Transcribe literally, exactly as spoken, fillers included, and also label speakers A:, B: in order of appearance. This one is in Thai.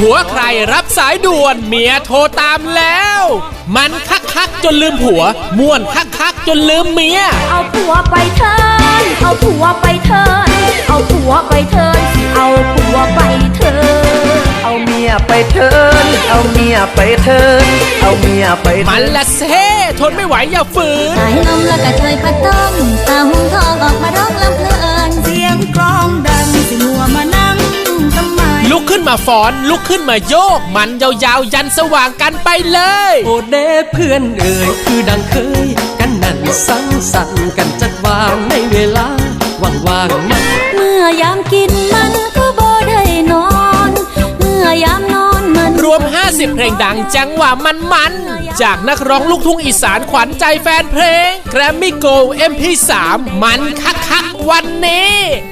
A: ผัวใครรับสายด่วนเมียโทรตามแล้วมันคักคักจนลืมผัวม่วนคักคักจนลืมเมีย
B: เอาผัวไปเถินเอาผัวไปเถินเอาผัวไปเถินเอาผัวไปเถิน
C: เอาเมียไปเถินเอาเมียไปเถินเอาเมียไป
A: มันละเซ่ทนไม่ไหวอย่าฝืน
B: สายลมแล้วก็ช่วยพัดต้มตาหุ่งทองออกมาร้องลำเพลินเสียงกลองดังสิหัวมานั่งทำไม
A: ลุกขึ้นมาฟ้อนลุกขึ้นมาโยกมันยาวๆยันสว่างกันไปเลย
C: โอเด้เพื่อนเอ่ยคือดังเคยกันนั่นสังสรรค์กันจัดวางในเวลาว่างๆมัน
B: เมื่อยามกินมันก็บ่ได้นอนเมื่อยามนอนมัน
A: รวมห้าสิบเพลงดังจังหวะมันๆจากนักร้องลูกทุ่งอีสานขวัญใจแฟนเพลง Grammy Gold เอ็ม พี สาม มันคักๆวันนี้